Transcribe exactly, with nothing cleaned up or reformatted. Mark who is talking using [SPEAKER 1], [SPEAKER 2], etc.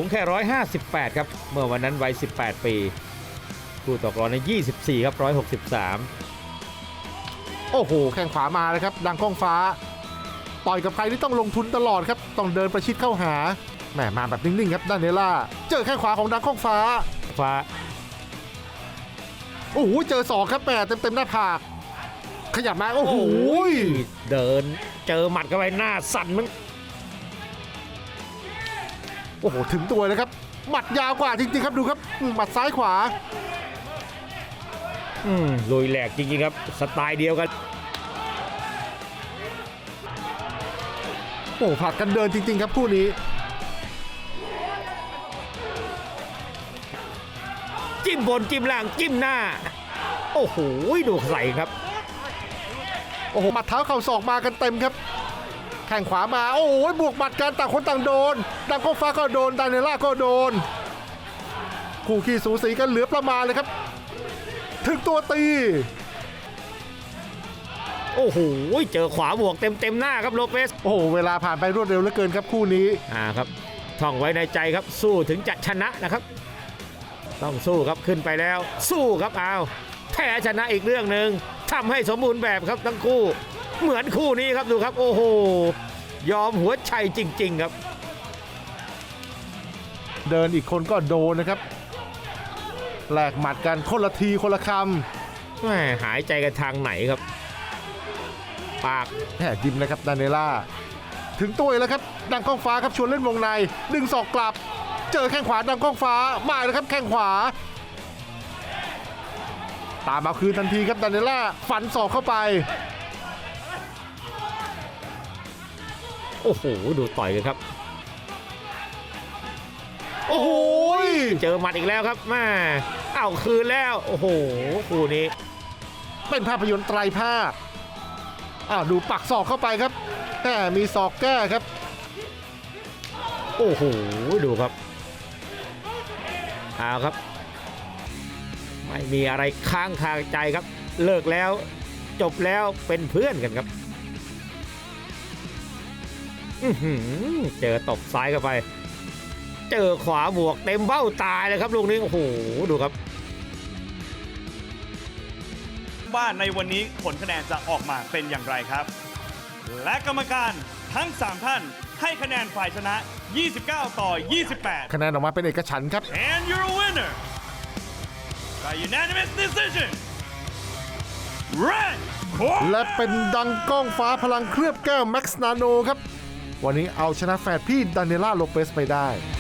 [SPEAKER 1] แค่หนึ่งร้อยห้าสิบแปดครับเมื่อวันนั้นวัยสิบแปดปีคู่ต่อกรในยี่สิบสี่ครับหนึ่งร้อยหกสิบสาม
[SPEAKER 2] โอ้โหแข้งขวามาเลยครับดังก้องฟ้าต่อยกับใครที่ต้องลงทุนตลอดครับต้องเดินประชิดเข้าหาแหมมาแบบนิ่งๆครับดานิเอล่าเจอแข้งขวาของดังก้องฟ้า
[SPEAKER 1] ฟ้า
[SPEAKER 2] โอ้โหเจอศอกครับแหมเต็มๆหน้าผากขยับมาโอ้โห
[SPEAKER 1] เดินเจอหมัดเข้าไปหน้าสั่นมัน
[SPEAKER 2] โอ้โหถึงตัวเลยครับหมัดยาวกว่าจริงๆครับดูครับหมัดซ้ายขวา
[SPEAKER 1] อืมลุยแหลกจริงๆครับสไตล์เดียวกัน
[SPEAKER 2] โอ้ผลัดกันเดินจริงๆครับคู่นี้
[SPEAKER 1] จิ้มบนจิ้มล่างจิ้มหน้าโอ้โหดูใส่ครับ
[SPEAKER 2] โอ้โหหมัดเท้าเข่าศอกมากันเต็มครับแข้งขวามาโอ้โหบวกหมัดกันต่างคนต่างโดนดังก้องฟ้าก็โดนดานิเอล่าก็โดนคู่ขี้สูสีกันเหลือประมาณเลยครับถึงตัวตี
[SPEAKER 1] โอ้โหเจอขวาบวกเต็มเต็มหน้าครับโลเปส
[SPEAKER 2] โอ้โหเวลาผ่านไปรวดเร็วเหลือเกินครับคู่นี้
[SPEAKER 1] อ่าครับท่องไว้ในใจครับสู้ถึงจะชนะนะครับต้องสู้ครับขึ้นไปแล้วสู้ครับเอาแพ้ชนะอีกเรื่องหนึ่งทำให้สมบูรณ์แบบครับทั้งคู่เหมือนคู่นี้ครับดูครับโอ้โหยอมหัวใจจริงๆครับ
[SPEAKER 2] เดินอีกคนก็โดนนะครับแลกหมัดกันคนละทีคนละค
[SPEAKER 1] ำแหมหายใจกันทางไหนครับปาก
[SPEAKER 2] แหมยิ้มนะครับดานิเอล่าถึงตัวแล้วครับดังก้องฟ้าครับชวนเล่นวงในดึงศอกกลับเจอแข้งขวาดังก้องฟ้ามาเลยครับแข้งขวาตามมาคืนทันทีครับดานิเอล่าฟันศอกเข้าไป
[SPEAKER 1] โอ้โหดูต่อยกันครับ
[SPEAKER 2] โอ้โห
[SPEAKER 1] เจอหมัดอีกแล้วครับแม่เอาคืนแล้วโอ้โหคู่นี้
[SPEAKER 2] เป็นภาพยนตร์ไตรภาคอ้าวดูปักศอกเข้าไปครับแหมมีศอกแก้ครับ
[SPEAKER 1] โอ้โหดูครับเอาครับไม่มีอะไรค้างคาใจครับเลิกแล้วจบแล้วเป็นเพื่อนกันครับเจอตบซ้ายเข้าไปเจอขวาบวกเต็มเบ้าตายเลยครับลูกนี้โอ้โหดูครับ
[SPEAKER 3] ว่าในวันนี้ผลคะแนนจะออกมาเป็นอย่างไรครับและกรรมการทั้งสามท่านให้คะแนนฝ่ายชนะยี่สิบเก้าต่อยี่สิบแปด
[SPEAKER 2] คะแนนออกมาเป็นเอกฉันท์ครับ
[SPEAKER 3] and you're a winner by unanimous decision red
[SPEAKER 2] และเป็นดังก้องฟ้าพลังเคลือบแก้วแม็กซ์นาโนครับวันนี้เอาชนะแฝดพี่ดานิเอล่าโลเปสไปได้